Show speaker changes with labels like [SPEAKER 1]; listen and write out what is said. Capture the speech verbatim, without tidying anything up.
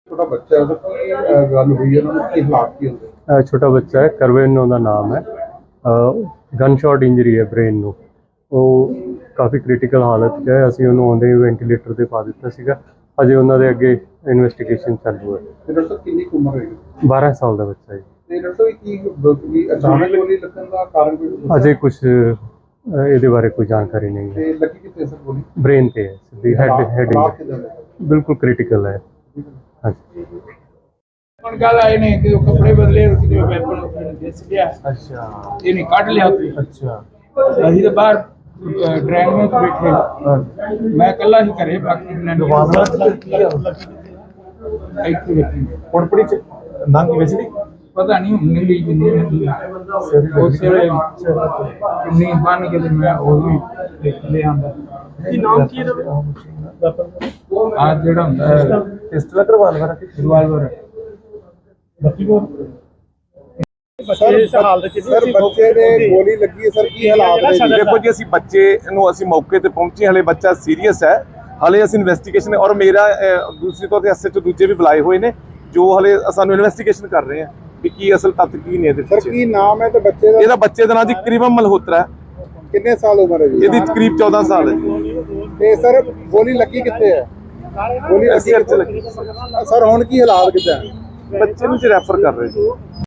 [SPEAKER 1] छोटा बच्चा है उसकी गल हुई है उन्होंने की हालात की होंगे
[SPEAKER 2] ਅ, ਛੋਟਾ ਬੱਚਾ ਹੈ, ਕਰਵੇਨ ਉਹਦਾ ਨਾਮ ਹੈ। ਗਨ ਸ਼ਾਟ ਇੰਜਰੀ ਹੈ ਬ੍ਰੇਨ ਨੂੰ। ਉਹ ਕਾਫੀ ਕ੍ਰਿਟੀਕਲ ਹਾਲਤ 'ਚ ਹੈ। ਅਸੀਂ ਉਹਨੂੰ ਆਉਂਦੇ ਹੀ ਵੈਂਟੀਲੇਟਰ 'ਤੇ ਪਾ ਦਿੱਤਾ ਸੀਗਾ। ਅਜੇ ਉਹਨਾਂ ਦੇ ਅੱਗੇ ਇਨਵੈਸਟੀਗੇਸ਼ਨ ਚਾਲੂ ਹੈ।
[SPEAKER 1] ਤੇ ਡਾਕਟਰ ਸਾਹਿਬ ਕਿੰਨੀ ਕੁ ਉਮਰ ਹੋਏਗੀ
[SPEAKER 2] ਬਾਰਾਂ ਸਾਲ ਦਾ ਬੱਚਾ ਹੈ।
[SPEAKER 1] ਤੇ ਡਾਕਟਰ ਸਾਹਿਬ ਕੀ ਕੀ ਅਚਾਨਕ ਗੋਲੀ ਲੱਗਣ ਦਾ ਕਾਰਨ ਕੋਈ ਦੱਸਿਆ?
[SPEAKER 2] ਅਜੇ ਕੁਝ ਇਹਦੇ ਬਾਰੇ ਕੋਈ ਜਾਣਕਾਰੀ ਨਹੀਂ ਹੈ।
[SPEAKER 1] ਤੇ ਲੱਗੀ ਕਿੱਥੇ ਸਰ ਗੋਲੀ?
[SPEAKER 2] ਬ੍ਰੇਨ 'ਤੇ ਹੈ, ਸਿੱਧੀ ਹੈਡ
[SPEAKER 1] ਹਾਲਾਤ
[SPEAKER 2] ਹੈਡਿੰਗ
[SPEAKER 1] ਕਿੱਦਾਂ ਦੇ?
[SPEAKER 2] ਬਿਲਕੁਲ ਕ੍ਰਿਟੀਕਲ ਹੈ। ਹਾਂਜੀ।
[SPEAKER 3] ਹੁਣ ਗੱਲ ਆਏ ਨੇ ਕਿ ਉਹ ਕੱਪੜੇ ਬਦਲੇ ਉਹਦੇ ਵੈਪਨ ਦਿਸ ਗਿਆ।
[SPEAKER 1] ਅੱਛਾ
[SPEAKER 3] ਇਹਨੇ ਕੱਢ ਲਿਆ ਉੱਥੇ।
[SPEAKER 1] ਅੱਛਾ
[SPEAKER 3] ਅਸੀਂ ਤਾਂ ਬਾਹਰ ਡਰਾਈਵਰ ਵਿੱਚ ਬੈਠੇ, ਮੈਂ ਇਕੱਲਾ ਹੀ ਘਰੇ, ਬਾਕੀ ਇਹਨਾਂ ਨੇ ਇੱਥੇ ਬੈਠੀ
[SPEAKER 1] ਕੋਣਪੜੀ ਚ ਨੰਗ ਵੈਸੇ ਨਹੀਂ
[SPEAKER 3] ਪਤਾ ਨਹੀਂ ਹੁਣ ਨਿੰਦੀ ਜਿੰਨੀ ਨਿੰਦੀ ਉਸੇ ਵੇਲੇ ਕਿੰਨੀ ਬਣ ਕੇ ਤੇ ਮੈਂ ਉਹ ਵੀ ਦੇਖ ਲਿਆ ਆਂਦਾ। ਕੀ ਨਾਮ ਕੀ ਇਹਦਾ? ਆ ਜਿਹੜਾ ਹੁੰਦਾ ਹੈ
[SPEAKER 1] ਪਿਸਟਲ ਕਰਵਾਲਵਰ
[SPEAKER 3] ਰਿਵਾਲਵਰ।
[SPEAKER 1] ਸਰ ਇਸ ਹਾਲਤ ਚ ਸਰ ਬੱਚੇ ਦੇ ਗੋਲੀ ਲੱਗੀ ਹੈ ਸਰ, ਕੀ ਹਾਲਾਤ ਨੇ?
[SPEAKER 4] ਦੇਖੋ ਜੀ, ਅਸੀਂ ਬੱਚੇ ਨੂੰ ਅਸੀਂ ਮੌਕੇ ਤੇ ਪਹੁੰਚੇ, ਹਲੇ ਬੱਚਾ ਸੀਰੀਅਸ ਹੈ। ਹਲੇ ਅਸੀਂ ਇਨਵੈਸਟੀਗੇਸ਼ਨ ਔਰ ਮੇਰਾ ਅਹ, ਦੂਸਰੀ ਤੌਰ ਤੇ ਐਸਐਚਓ ਦੂਜੇ ਵੀ ਬੁਲਾਏ ਹੋਏ ਨੇ ਜੋ ਹਲੇ ਸਾਨੂੰ ਇਨਵੈਸਟੀਗੇਸ਼ਨ ਕਰ ਰਹੇ ਆ ਕਿ ਕੀ ਅਸਲ ਤੱਥ ਕੀ ਨੇ ਇਹਦੇ
[SPEAKER 1] ਸਰ
[SPEAKER 4] ਪਿੱਛੇ।
[SPEAKER 1] ਕੀ ਨਾਮ ਹੈ ਤੇ ਬੱਚੇ ਦਾ?
[SPEAKER 4] ਇਹਦਾ ਬੱਚੇ ਦਾ ਨਾਂ ਜੀ ਕਰੀਬਨ ਮਲਹੋਤਰਾ ਹੈ।
[SPEAKER 1] ਕਿੰਨੇ ਸਾਲ ਉਮਰ ਹੈ ਜੀ?
[SPEAKER 4] ਇਹਦੀ ਕਰੀਬ ਚੌਦਾਂ ਸਾਲ ਹੈ ਜੀ।
[SPEAKER 1] ਤੇ ਸਰ ਗੋਲੀ ਲੱਗੀ ਕਿੱਥੇ ਹੈ? ਗੋਲੀ ਲੱਗੀ
[SPEAKER 4] ਸਿਰ 'ਚ
[SPEAKER 1] ਕਿੱਥੇ?
[SPEAKER 4] ਲੱਗੀ।
[SPEAKER 1] ਸਰ ਹੁਣ ਕੀ ਹਾਲਾਤ ਕਿੱਦਾਂ?
[SPEAKER 4] ਬੱਚੇ ਨੂੰ ਜੀ ਰੈਫਰ ਕਰ ਰਹੇ ਜੀ।